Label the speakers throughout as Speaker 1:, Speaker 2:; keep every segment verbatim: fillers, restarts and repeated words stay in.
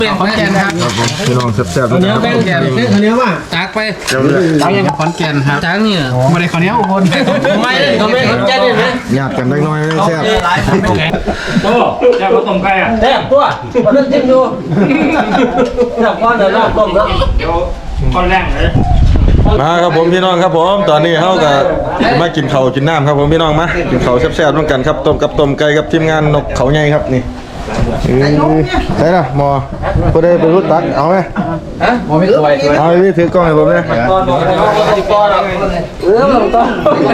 Speaker 1: เป็นขอนแก่นครับ
Speaker 2: พี่น้องแซ่บๆ
Speaker 1: ข้าวเหนียวแป้งแก่นข้าวเหนียวมาจากไปจากยังขอนแก่นครับจากนี่ไม่ได้ข้าวเหนียวอุบลไม่เขาไม่ขอนแก่นเลยนะ
Speaker 2: หยาบกันเล็กน้อยแซ่บ
Speaker 3: โอ้แซ่บผสมไก่อ่ะ
Speaker 1: แซ่บตัวมาเล่นจิ้มดูแซ่บก้อนเดี๋ยวรอบต้มแล้ว
Speaker 3: เดี๋ยวก้อนแรงเลย
Speaker 2: มาครับผมพี่น้องครับผมตอนนี้เขาก็มากินข้าวกินน้ำครับผมพี่น้องมากินข้าวแซ่บๆร่วมกันครับต้มกับต้มไก่กับทีมงานนกเขาใหญ่ครับนี่ใช่ละหมอพอได้ไปรู้ตักเอาไหม
Speaker 1: ฮะหมอไม่สวย
Speaker 2: เอาไปถือกล้องให้ผมเลย
Speaker 1: ก้อนก้อนเออลงต้น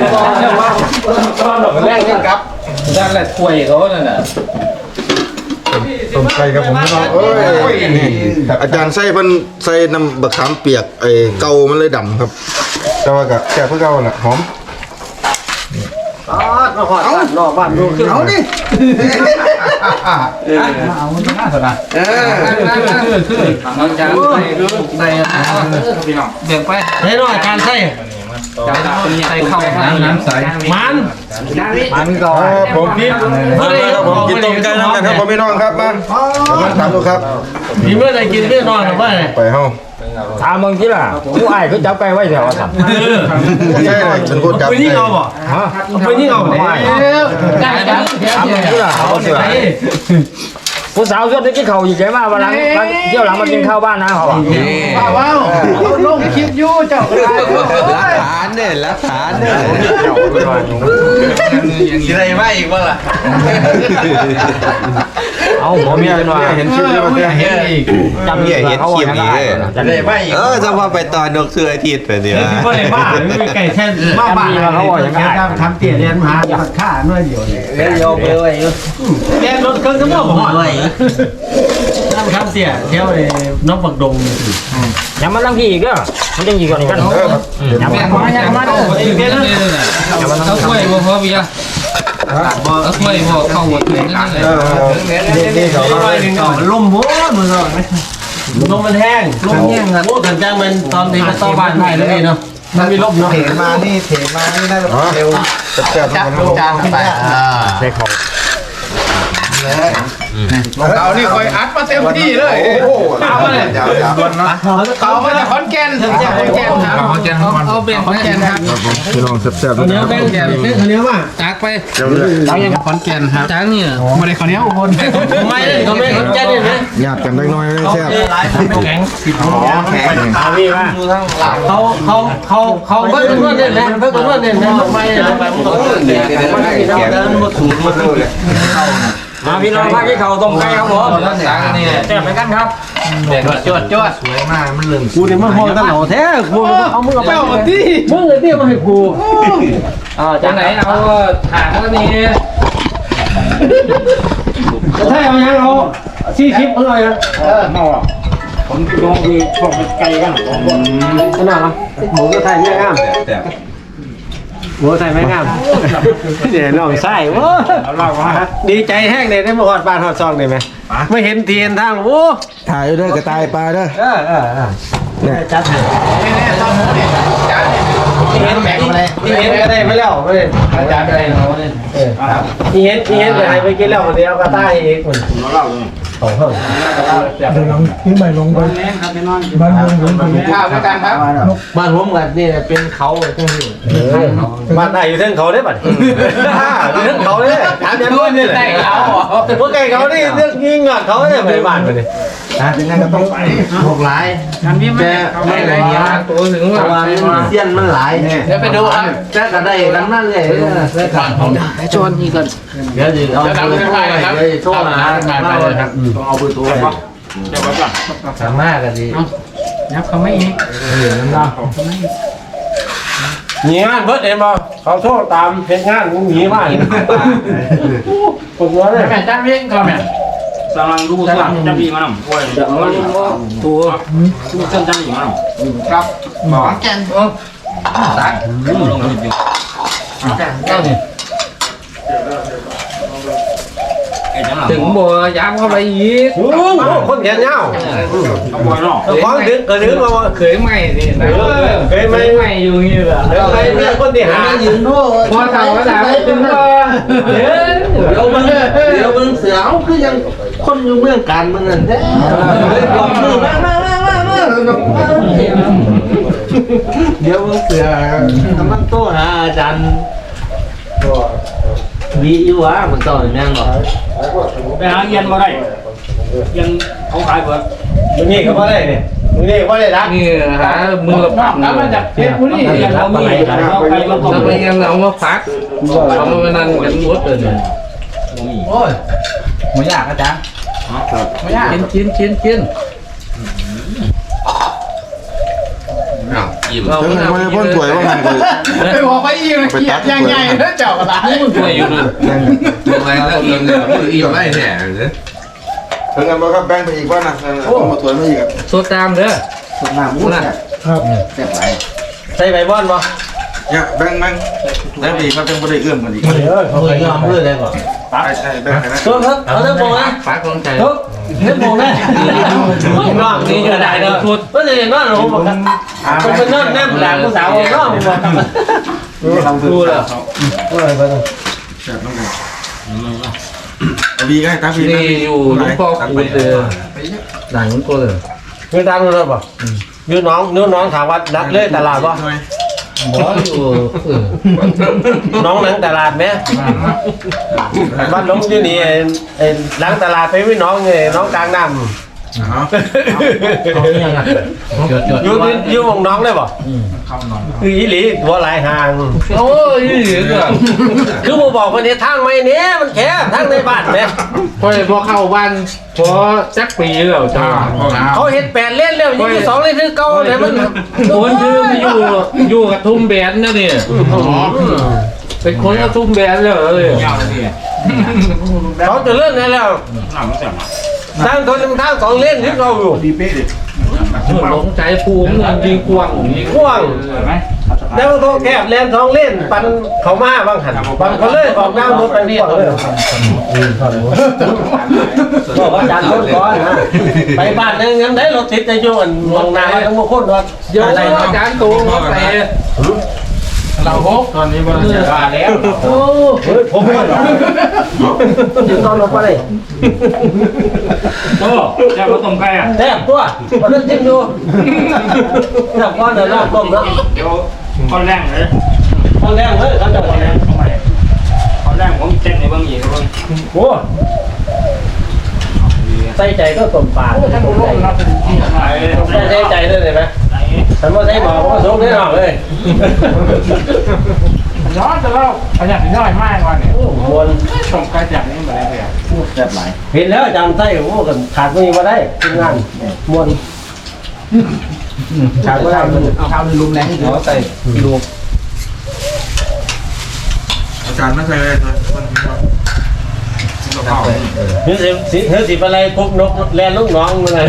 Speaker 1: แรกนี่ครับด้านแรกคุยเขาเนี่ยนะ
Speaker 2: ต้มไก่ครับผมพี่น้องเอ้ยอาจารย์ใส่เพิ่นใส่น้ำบักขามเปียกไอ้เกามันเลยดำครับแต่ว่าก็แซ่บเพื่อเกาน่ะหอม
Speaker 1: อ๋อมาหอดบ้านนอกบ้านดูขึ้นเอาดิเอาหน้าสนะเออคือคือน้องจานใส่ใส่เบี่ยงไปเฮ้ยน้องจานใส่ใส่เข้าน้ำน้ำใสมันมันก่อน
Speaker 2: ผมพี่ครับผมกินต้มไก่น้ำกันครับผมพี่น้องครับมามาถามดูครับ
Speaker 1: มีเมื่อไรกินเมื่อนอนหรือไม่
Speaker 2: ไปเฮ้า
Speaker 1: ถามมึงที่ล่ะกูไอ้เขาจับไก่ไว้แถวสัตว์
Speaker 2: ใช่เลยฉันพูดจับ
Speaker 1: ไปนี่เอาบ่ฮะไปนี่เอาบ่ได้ครับถามมึงที่ล่ะเอาเสือผู้สาวชวนได้กินข้าวอยู่ใจมากวันหลังเที่ยวหลังมากินข้าวบ้านนะเขาบอกว้าวลงคลิปยู่เจ้า
Speaker 4: รักฐานเนี่ยรักฐานเนี่ย
Speaker 1: สิไรมาอีกบ้างล่ะเอาหมอเมีย
Speaker 2: เห็นคลิปแล้วมัน
Speaker 1: เห็นอีก
Speaker 4: จำเหี้ยเห็นคลิปนี้เลย
Speaker 1: จะได้ไม่
Speaker 4: เออจะมาไปตอนนกเสืออาทิตย์ไปเนี่ย
Speaker 1: ไม่ได้บ้าไม่มีไก่แท่นบ้าบ้าเขาบอกอย่างนั้นทำเตี๋ยเรียนมาฆ่าเมื่อเดียวเนี่ยเรียนโยไปเลยแกรถเครื่องทั้งหมดหมดเลยน้ำข้ามเสียเที่ยวเลยน้องปักดงยังมาตั้งพี่อีกเหรอมันยังอยู่ก่อนอีกกันยังมายังมาเลยเบี้ยเลยเขาช่วยบ่พอเบี้ยเขาช่วยบ่เข้าหมดเลยนั่นเลยนี่เขาล่มหัวมือเราลมมันแห้งลมแห้งครับโอ้กันจ้างมันตอนนี้ก็ต้องบ้านไทยแล้วนี่เนาะมันมีลมเนาะ
Speaker 4: เถมานี่เถมานี่ได้เร็ว
Speaker 2: จับจับ
Speaker 1: จางขึ้นไปใช่ของ
Speaker 4: เรานี่คอยอัดมาเต็มที่เลย
Speaker 1: โอ้โหเอาเลยเอามาจากขอนแก่นถึงจากขอนแก่นครับขอนแก่นเอาเป็นขอนแก่นครับ
Speaker 2: พี่น้องแซ่บๆ
Speaker 1: ข้าวเหนียวแป้งแก่นข้าวเหนียวมาจากไปจากยังขอนแก่นครับจากนี่ไม่ได้ข้าวเหนียวอุบลไม่เขาไม่ขอนแก่นเลยนะ
Speaker 2: หยาบกันเล็กน้อยแซ่บ
Speaker 1: แข็งแข็งเอาพี่มาเขาเขาเขาเขาเพิ่งเพิ่งเนี่ยนะเพิ่งเพิ่งเนี่ยนะไม่ไปมันก็เดินเดินเดินหมดสูตรหมดเลยมาพี่น้องมาที่เขาต้มไก่ครับผมนี่แซ่บเหมือนกันครับจวดจวดสวยมากมันลืมกูเนี่ยมันมองตลอดแท้กูเอามือไปเอาที่มึงเลยเตี้ยมาให้กูอ่าจากไหนเอาถางก็นี่จะใช่เอายังเอาชี้ชิปอร่อยนะเออเมาอ่ะผมลองคือพวกไก่กันขนาดอ่ะหมูก็ไทยไม่งามหมูไทยไม่งามเดี๋ยวน้องไส้โว้ดีใจแห้งเลยได้มาหอดบ้านหอดซองเลยไหมไม่เห็นเทียนทางโอ้
Speaker 2: ถ่ายด้วยกระต่ายปลาด้วย
Speaker 1: เออเออเออเนี่ยจัดเลยนี่นี่ตอนหมูนี่จัดที่เห็นแบ่งมาเลยที่เห็นก็ได้ไม่แล้วไม่จัดอะไรเนาะเนี่ยที่เห็นที่เห็นไปให้ไปกินแล้ววันเดียวกระต่ายอีกคนเราเล่าเลยสองเท่าเดี๋ยวลองทิ้งใบลงไปบ้านลงลงข้าวด้วยกันครับบ้านผมกับนี่เป็นเขาทั้งที่บ้านไหนอยู่เท่งเขาได้ป่ะอยู่เท่งเขาเลยถามยังไม่ได้เขาพวกไก่เขานี่เรื่องยิงอ่ะเขาเนี่ยไปบ้านไปเลยนะยังไงก็ต้องไปหกหลายการพี่แม่ไม่ไหลเงี้ยตัวถึงว่าเสี้ยนมันหลายเดี๋ยวไปดูครับแค่กันได้กันนั่นเลยแค่กันชวนนี่กันเดี๋ยวเอาไปโชว์นะต้องเอาปืนตัวไปเดี๋ยวก่อนสามารถกันดีนับเขาไม่อีกเหลือน้ำดาวหนีงานเบิร์ดเอ็มบ่เขาโชว์ตามเพจงานมึงหนีมาเลยปวดหัวเลยแม่จ้างเพียงก่อนแม่
Speaker 3: สลังดูสลังจะมีมันหน่อย
Speaker 1: ตัว
Speaker 3: ดูเส้นจะมีมันหน่อย
Speaker 1: ครับหมอแกนเออตักลงดิแกนเจ้านี่ถึงบัวยามเข้าไปอีกคนแขนยาว
Speaker 3: เอาบัวเนาะ
Speaker 1: ของดึงกระดึงมาเคยไม่ดิเคยไม่ไม่อยู่นี่แหละเคยเนี่ยคนที่หายืนโน่พอเต่าแล้วเป็นว่าเดี๋ยวมึงเดี๋ยวมึงเสือคือยังคนอยู่เมืองการมันนั่นแท้เลยบอกมือมามามามามาเดี๋ยวมึงเสือทำมันโตหาอาจารย์วีอยู่วะมันต่อแม่งหรอ
Speaker 3: ไปหาเย็นมาได้เย็นเขาขายเบิด
Speaker 1: มึงนี่ก็ว่าได้เนี่ยมึงนี่ก็ว่าได้รัก
Speaker 5: นี่หามือปัก
Speaker 3: แล้วมาจากเพชรบุรีเขามีเขาไปมา
Speaker 5: ถ้าไปยังเอามาปักเอามานั่นกันหมดเลยเนี่ย
Speaker 4: โอ้ยไม่ยากอาจารย์ไม่ยาก
Speaker 5: กินกินกินกิน
Speaker 4: อ้าวอิ่ม
Speaker 5: เรา
Speaker 2: ถึง
Speaker 5: ไม่
Speaker 2: ไม่ได้พ่นถวยว่ามันก็
Speaker 4: ไปบอกไปอิ่มเขียดยังไงแล้วเจ้าอะไร
Speaker 5: ป่วยอยู่เลย
Speaker 4: อะไรแล้วอิ่มเนี่ยอิ่มไม่แน่เลย
Speaker 2: ถึงกันบ่ครับแบ่งไปอีกว่านะเอามาถวยมาอีก
Speaker 5: โซตามเด้อ
Speaker 4: สุดหน้ามุ้งเนี่ยครับแซ่บไหล
Speaker 1: ใส่ใบบอนบ่
Speaker 2: เนี่ยแบ่งแบ่งแบ่งไปอีกครับจังบ่ได้เอื้อมกันอีก
Speaker 1: เออเขาเคยยอมเพื่อได้ก่อน
Speaker 2: ใช่ใช่แบ่งให้นะ
Speaker 1: ตัวครับเอาเรื่องโบนะ
Speaker 5: ปักลงใจ
Speaker 1: ทุกเรื่องโบนะน้องนี่จะได้เนาะก็จะเห็นว่าหนูบอกกันผมเป็นน้องแม่หลานผู้สาวน้องบอกกันดูแล้วเออไปเลย
Speaker 2: แซ่บน้องกันเอาบีก็ให้ตาบี
Speaker 5: นี่อยู่หลวงพ่อคูณเด้อด่านหลวงพ่อเลย
Speaker 1: เงินตามรู้ป่ะยืนน้องยืนน้องถามว่าดักเลยตลาดป่ะ
Speaker 5: บ่อยู่เออ
Speaker 1: น้องหลังตลาดไหมบ้านน้องอยู่นี่หลังตลาดไปวิ่งน้องไงน้องกลางน้ำ
Speaker 2: เอา
Speaker 5: จดจด
Speaker 1: อยู่อยู่วงน้องได้ป่ะคืออีหลีตัวหลายห่าง
Speaker 5: โอ้ยเหลือ
Speaker 1: คือผมบอกวันนี้ทางไม่เนี้ยมันแคบทางในบ้านเนี่ย
Speaker 5: พอพอเข้าบ้านพอจักปีแล้วจ้า
Speaker 1: เขาเห็นแปดเล่นแล้วยี่สิบสองเล่นคือเก่าเนี่ยมัน
Speaker 5: คนชื่อมาอยู่อยู่กับทุ่มแบนนะเนี่ยเป็นคนกับทุ่มแบนเลย
Speaker 3: ยาวเลยพี่
Speaker 1: เขาจะเล่นได้แล้ว
Speaker 3: หนังมันแซ่บ
Speaker 1: ทางคนทางสองเล่นที่เราอยู่
Speaker 2: ดีเป๊ะดิ
Speaker 5: หลงใจภูมิยิงกวางยิง
Speaker 1: กว้าง
Speaker 3: เห็นไหม
Speaker 1: แล้วเขาแคบเล่นสองเล่นปันเขามาบางหันบางเขาเลยออกน้ำรถไปกว้างเลยบอกว่าจานรถก้อนนะไปบ้านนึงยังได้รถติดในช่วงมองนาทั้งหมดคนว่า
Speaker 5: เยอะอาจารย์ตูมาไปเราฮก
Speaker 3: ตอนนี้มันจะมาแล้ว
Speaker 1: โอ้เฮ้ยผมไม่หรอกถึงตอนลงไปเลย
Speaker 3: โอ้แซ่บข้าวต้มไก่อ่ะ
Speaker 1: แทบตัวมาเล่นจิ้มดูแทบก้อนเดี๋ยวรอบต้มแล้ว
Speaker 3: เดี๋ยวก้อนแรงเลย
Speaker 1: ตอนแรกเลยเขาจะบอก
Speaker 3: ก้อนแรงผมเต้นในบางอย่างบาง
Speaker 1: โอ้ใส่ใจก็ต้มปลาใส่ใจเลยเห็นไหมฉันว่าใส่หมอผมก็สูงแน่นอนเลย
Speaker 3: ย้อนจะเล่าขยันย่อยมากกว่าเนี่ย
Speaker 1: มวน
Speaker 3: ชมกระจับนี่มาได้เลยพูดแซ่บหลาย
Speaker 1: เห็นแล้วจำไส้โอ้กันขาดไม่มาได้ทีมงานมวนขาดไม่ได้มัน
Speaker 4: เอาข้าวในลุมแรงที่หัวใส่ลูก
Speaker 2: อาจารย์ไม่ใช่เลยนะมันมีว่า
Speaker 1: เฮ้ยสิเฮ้ยสิอะไรพบนกแลนลูกน้องมึงไง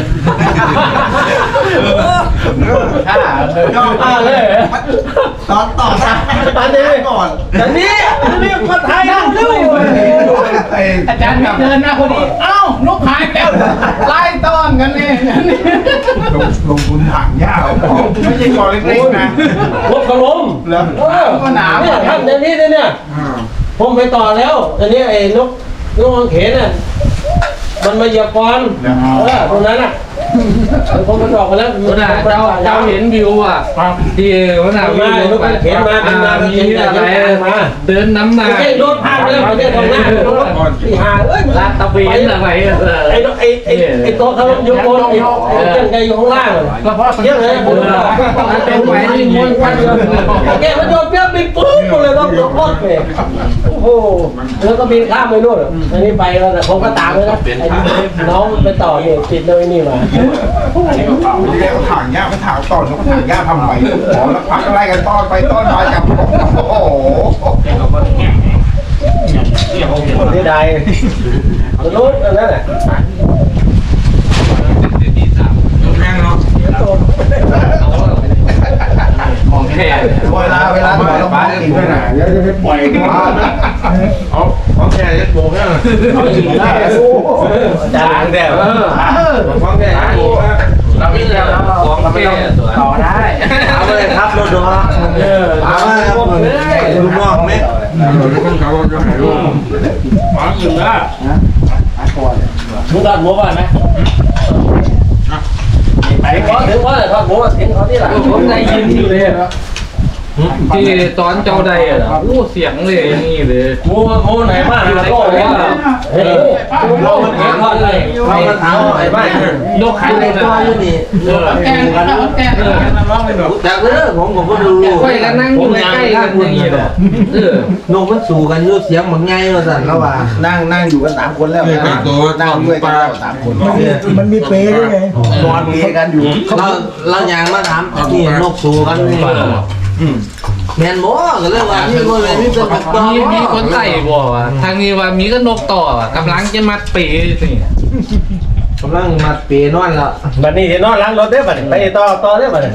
Speaker 4: ข้า
Speaker 1: อ่าเลย
Speaker 4: ตอนต่อซะ
Speaker 1: ตอนนี้ก่อนตอนนี้ตอนนี้คนไทยเร็ว
Speaker 4: อาจารย์เดินมาพอดีเอ้านกหายแล้วไล่ต้อนกันเนี่ยลงทุนถังยาวไม่ใช่กอเล็กๆนะ
Speaker 1: พบกระลม
Speaker 4: แล้วก็หนาว
Speaker 1: เนี่ยทำอย่างนี้เนี่ยผมไปต่อแล้วอันนี้ไอ้นกนกอังเขนน่ะมันมาเหยียบก่อนเออตรงนั้นน่ะผมมันออกมาแล้ว
Speaker 5: ขนาดเจ้าเจ้าเห็นวิวอ่ะที่ขนาดวิวมีอะไรเดินน้ำหนัก
Speaker 1: ไม่ใช่โดนพาไปแล้วไม่ใช่ตรงหน้าที่หาเอ้ย
Speaker 5: ลาดตะเวนอะไร
Speaker 1: ไอ้ไอ้ไอ้ไอ้ตัวเขาอยู่บนไอ้ไอ้เจ้าไก่อยู่ข้างล่าง
Speaker 5: ก็เพราะ
Speaker 1: เยอะเลยผม
Speaker 5: เป็นไปที่ม้วนกัน
Speaker 1: แกมันโดนเปี้ยบินปุ๊บเลยต้องยกรถเลยโอ้โหแล้วก็บินข้ามไปนู่นอันนี้ไปแล้วแต่ผมก็ตามเลยนะไอ้น้องไปต่อเนี่ยติดเลยนี่มา
Speaker 4: ไม่ได้เขาถังยาเขาถางต้อนเขาถังยาทำไมอ๋อแล้วพักอะไรกันต้อนไปต้อนมาจับโอ้โห
Speaker 3: เต้นกับแง่เรียกเขาเห็น
Speaker 1: คนที่ใดมันรู้อันนั้นแหละ
Speaker 2: แม่งเนาะ
Speaker 5: ของแท้
Speaker 4: เวลาเวลาเราเราบ้าอีกด้วยนะเดี๋ยวจะไปปล่อยกัน
Speaker 2: เอาเอาแค่ยัดโบกเนี่ย
Speaker 1: เอาอีกแล้วอาจารย์แต่เออ
Speaker 2: ฟังแค่ยัดโบกนะ
Speaker 5: เราไม่เจอของแท้ต่อได้
Speaker 1: เอาเลยครับรถดอเออ
Speaker 2: ถามว่าครับลูกน้องไหมคนเขาจะหายลูก
Speaker 3: หวังอยู่นะ
Speaker 4: ก่อน
Speaker 5: มึงทอดหมูป่ะไหมไปขอถึงว่าทอดหมูถึงเขาที่หลังผมได้ยินอยู่เลยที่ตอนเจ้าใดอ่ะอู้เสียงเลยอย่างนี้เลยหมูหมูไหนบ้างก็ว่าเฮ้ยเรามันเห็นทอดเลยเรามันเท้าไอ้บ้านยกขันเลยตัวอยู่นี่แกงแกงร้องเลยแบบจากเออผมผมก็ดูค่อยกันนั่งอยู่ใกล้กันอย่างนี้เลยเออนกมันสู่กันอยู่เสียงเหมือนไงเราสั่นแล้วว่า
Speaker 4: นั่งนั่งอยู่กันสามคนแล้วนะนั่งด้วยกันสามคน
Speaker 1: มันมีเปรย์ด้วยไง
Speaker 4: นอนเมียกันอยู่
Speaker 5: เราเราอย่างมาถามนี่นกสู่กันนี่แมนบ่ก็เลยว่ามีคนเลยมีเป็นต่อมีมีคนใส่บ่ว่าทางนี้ว่ามีก็นกต่อว่ะกำลังจะมัดปีนี่กำลังมัดปีนอนแล้ว
Speaker 1: บัดนี้จะนอนล้างรถได้บัดนี้ไปต่อต่อได้บัดนี้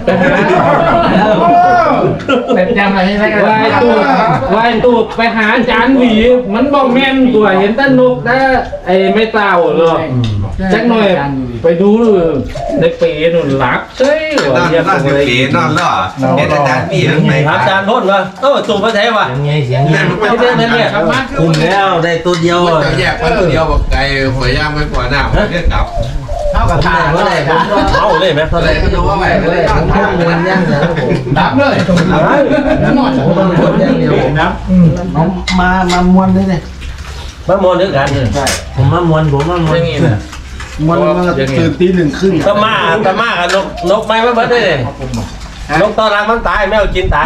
Speaker 5: เป็นจำอะไรไม่ได้วายตูดวายตูดไปหาจานหวีมันบอกแม่นตัวเห็นแต่นกได้ไอ้ไม่เต่าหรอกจักหน่อยไปดูในปีนุ่นหลับเฮ้ย
Speaker 6: นอนนอนสิบปีนอนแล้วเห็นอาจารย์พี่ทั้งใน
Speaker 1: ถามอาจารย์พ่นว่าเออตู่มาแท้ว่ะ
Speaker 5: เสียงไงเสียงไงไม่ได้นั่นเนี่ยคุมแล้วได้ตัวเดียว
Speaker 6: จะแยกมันตัวเดียวบอกไก่หัวย่างไม่กว่าหน้าเรียกกลับ
Speaker 5: เท่ากับทานว่าอะไรผม
Speaker 1: เอาเลยไหม
Speaker 6: อะไรก็จะว่าไป
Speaker 5: ผมเลยผมทำมันย่างนะผม
Speaker 4: ดับเลยนอน
Speaker 5: ผมต้องคนย่างเดียวผมนะ
Speaker 4: มามามวนเลยเนี่ย
Speaker 1: มามอนด้วยกัน
Speaker 5: ผมมามวนผมมามวนนี่นะ
Speaker 4: มวนมาตื่นตีหนึ่งครึ่ง
Speaker 1: ตะมาตะมากับนกนกไม้มาเบิดได้เลยนกตอนรังมันตายแมวกินตาย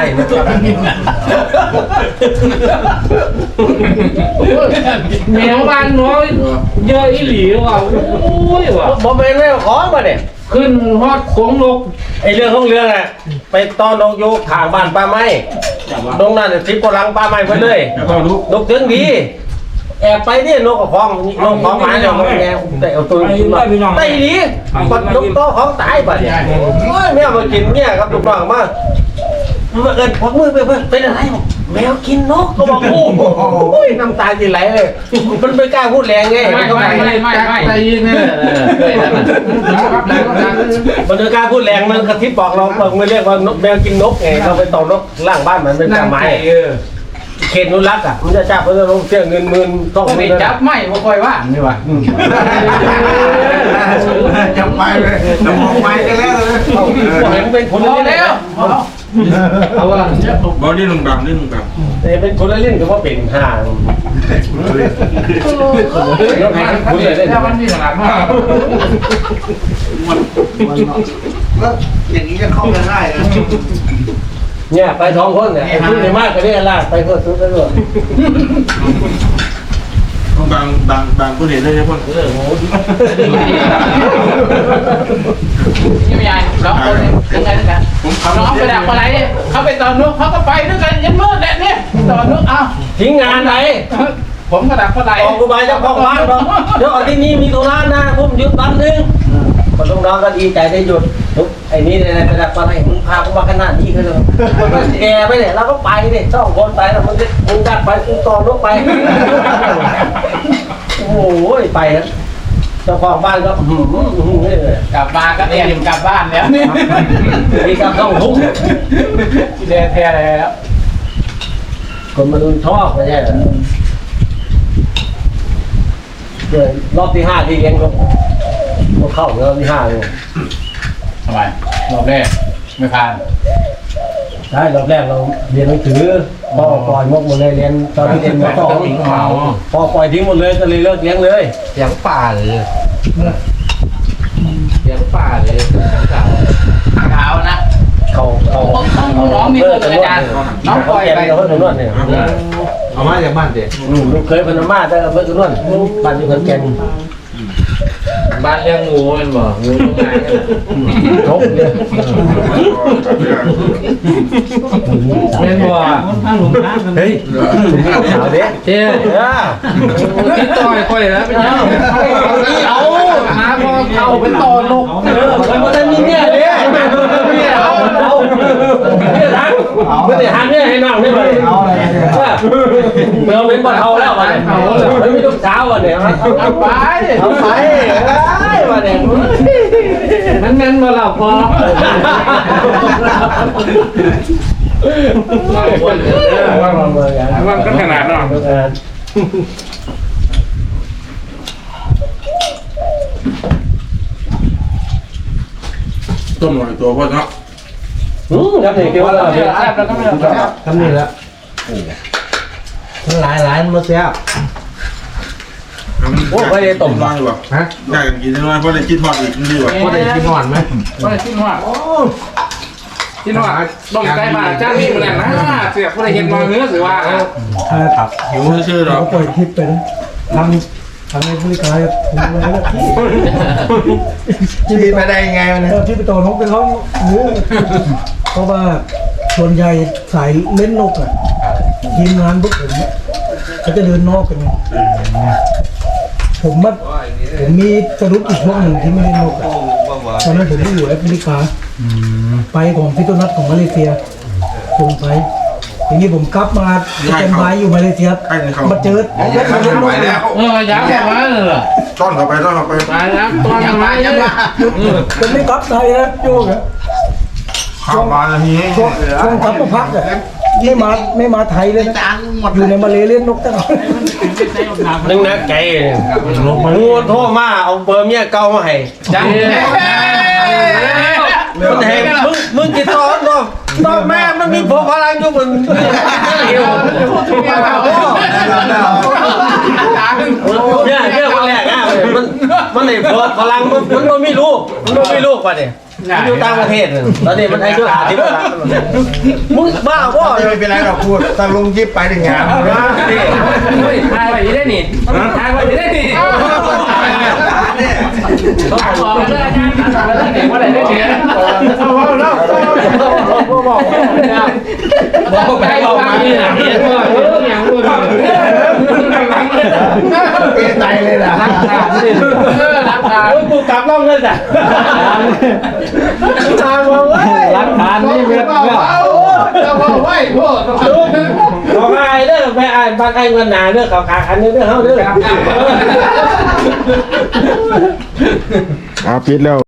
Speaker 5: แมวบ้านน้อยเยอะอีหลีว่ะโอ้ยว่ะ
Speaker 1: ผมเป็นแมวของมาเนี่ย
Speaker 5: ขึ้นฮอดโค้งนก
Speaker 1: ไอเรื่องของเรื่องอ่ะไปตอนนกอยู่ข้างบ้านป้าไม้ตรงนั้นทิพย์กำลังป้าไม้ไปเลยนกถึงดีแอบไปเนี่ยนกกับของนกของหมาเนี่ยมันแอบแต่เอาตัวไต่ดีปัดนกโตของตายไปเนี่ยโอ้ยแมวมากินเนี่ยครับถูกต้องมากมาเอิญพกมือไปเพื่อนเป็นอะไรบอกแมวกินนกก็บอกโอ้ยน้ำตาจะไหลเลยมันไม่กล้าพูดแรงไง
Speaker 5: ไม่ไม่ไม่ไม่ไม่ใจเย็นเนี่ย
Speaker 1: มันไม่กล้าพูดแรงมันกระทิบบอกเราเราเรียกว่านกแมวกินนกไงเราไปต่อนกล่างบ้านมันเป็นป่าไม้เขตนุรักษ์อ่ะมันจะจับมันจะลงเสียเงินหมื่นต้อง
Speaker 5: ไม่จับไม่ไม่ค่อยว่านี่ว่ะ
Speaker 4: จับไปเลยจะมองไปกันแล้วเลย
Speaker 1: เห็นเป็นคนละเล่น
Speaker 5: เอาว่า
Speaker 6: บอลนี่ลุงดำนี่ลุงดำ
Speaker 1: แต่เป็นคนละเล่นก็ว่าเป็นห่างคุณเลยได้
Speaker 5: ถ้ามันมีขนาดมาก
Speaker 4: แล้วอย่างนี้จะเข้ากันได้เลย
Speaker 1: เนี่ยไปสองคนเนี่ยพูดในมากก็ได้ลากไปเพื่อซื้อไปด้วย
Speaker 6: บางบางบางคนเห็นได้ใช่ไหม
Speaker 1: เออโห
Speaker 3: ยังไม่ใหญ่สองคนยังไงกัน
Speaker 6: ผมขับ
Speaker 3: น้องไปดักปลาไหลเขาไปตอนนู้นเขาก็ไปด้วยกันยันมืดแหละเนี่ยตอนนู้นอ้าว
Speaker 1: ทิ้งงานไหน
Speaker 3: ผมก็ดักปลาไหล
Speaker 1: ออกกูไปเจ้าของบ้านบอกเดี๋ยวที่นี่มีธุระนะผมหยุดแป๊บนึงพอลูกน้องก็ดีใจได้หยุดทุกไอ้นี่อะไรไปดักปลาไหลมึงพากูมาขนาดนี้ก็เลยแกไปเนี่ยเราก็ไปเนี่ยสองคนไปแล้วมึงมึงดักไปมึงต่อนกไปโอ้โหไปนะเจ้าของบ้านก็หืมหืมเลย
Speaker 3: กลับมาก็เตรียมกลับบ้านแล้วนี่
Speaker 1: มีการต้องทุก
Speaker 3: เดทแท้แล้ว
Speaker 1: คนมาดูชอบไม่ใช่เหรอเดี๋ยวรอบที่ห้าที่เลี้ยงก็ก็เข้ารอบที่ห้าเลย
Speaker 3: ทำไมรอบแรกไม่ผ่าน
Speaker 1: ใช่รอบแรกเราเรียนหนังสือพ่อปล่อยมกหมดเลยเรียนตอนที่เรียนมสองพ่อปล่อยทิ้งหมดเลยก็เลยเลิกเลี้ยงเลย
Speaker 5: เสียงป่าเลยเสียงป่าเลยเก่า
Speaker 3: เท้านะ
Speaker 1: เขาเขา
Speaker 3: น้องมีตัวเป็นอาจารย์น้องปล่อยไป
Speaker 1: เขาเพิ่งนวดเนี่ย
Speaker 6: เอามาจากบ้านเด็ก
Speaker 1: ลูกเคยเป็นมาแต่เพิ่งนวดบ้านอยู่ขอนแก่น
Speaker 5: บ้านเลี้ยงงูมันบอกงูตรงไหน
Speaker 1: ทบเนี่ย
Speaker 5: ไม่บอก
Speaker 1: เฮ้ยสาวเด็ก
Speaker 5: เจ้ติดต่อยค่อยแล้วเป็นยังเอาหาพอเข้าเป็นต่อนก
Speaker 1: เออมันก็จะมีเนี่ยเนี่ยเนี่ยเอาเอาเนี่ยทังไม่ได้หันเนี่ยให้นั่งได้ไหมเอาอะไรเมื่อเป็นบอลเทาแล้ววันนี้ไม่มีลูกสาววันนี้เอาไปเอาไปได้วันนี้
Speaker 5: มันแม่นมาหลับพอว่าว่าก็ขนาดนั้น
Speaker 2: ต้มหน่อยตัวพ่อเนาะ
Speaker 1: อืมครับนี่คิดว่าเราเนี่ย
Speaker 5: แซ่บแล้วก็ไม่เอา
Speaker 1: ทำนี่แล้วมันหลายหลายมันมาเสีย
Speaker 2: โอ้ไม่ได้ต้มมาหรอฮะอยากกินน้อยเพราะได้กินทอดอีกนี่หรอ
Speaker 1: ก็ได้กินหวานไหม
Speaker 5: ไม่ได้ชิ้นว่าชิ้นว่าต้มไก่มาจ้ามีมันแหละนะเสียผู้ใดเห็นมาเนื้อสือว่า
Speaker 1: ครับ
Speaker 2: หิวชื่อหรอ
Speaker 1: ปล่อยคลิปไปนะทำทำให้ผู้ขายถูกเลยนะพี่พี่ไปได้ยังไงมันเนี่ยพี่ไปต่อนกไปเขาเนื้อเพราะว่าส่วนใหญ่สายเล่นนกอ่ะทีมงานพวกผมเขาจะเดินนอกกันไงผมว่าผมมีสรุปอีกพวกหนึ่งที่ไม่เล่นนกอ่ะตอนนั้นผมไปอยู่แอฟริกาไปของพิโตนัทของมาเลเซียส่งไปทีนี้ผมกลับมาเป็นไม้อยู่มาเลเซียมาเจอมาเล่นนกแล้ว
Speaker 5: เออยักษ์มาเลย
Speaker 2: ต้อนเข้าไปต้อนเข้าไป
Speaker 5: ตายแล้วตัวยังมายังมา
Speaker 1: มันไม่กลับไทยนะโยกอะ
Speaker 2: ข้าวมาแล้วนี่
Speaker 1: ช่วงช่วงกลับมาพักอะไม่มาไม่มาไทยเลยนะอยู่ในมาเลเล่นนกตลอด
Speaker 7: นึงนะไก่งูโทรมาเอาเบอร์เมียเก่ามาให้
Speaker 5: จัง
Speaker 7: มันให้มึงมึงกินตอนตอนตอนแม่มันมีพวกพลังอยู่บนเอวเนี่ยเนี่ยคนแรกอ่ะมันมันไอ้พวกพลังมันมันไม่มีลูกมันไม่มีลูกป่ะเนี่ยอยู่ต่างประเทศตอนนี้มันอายุหาที่บ้านมึงบ้าพ่อ
Speaker 1: ไม่เป็นไรหรอกพูดตาลุงยิบไปถึงงาน
Speaker 5: เฮ้ยทายไปได้นี่ทายไปได้นี่ต้องบอกเลยอาจารย์ถามไปแล้วเด็กว่าอะไรได้เนี่ยเอาเอาเอาบอกบอกบอกไปบอกมาเนี่ยเห็นว่าเรื่องอย่างนู้น
Speaker 1: เปใจเลยนะ
Speaker 5: รักษารักษา
Speaker 7: กูกลับล่องเลยจ้ะตามมาเว้ย
Speaker 5: รักษานี่เว็บเว็บ
Speaker 4: จะบอกไว้พวก
Speaker 7: บอกไอ้เด้อไปอ่านบางไอ้เงินหนาเด้อเขาขาขันเด้อเฮาเด้อ
Speaker 2: อ่าปิดแล้ว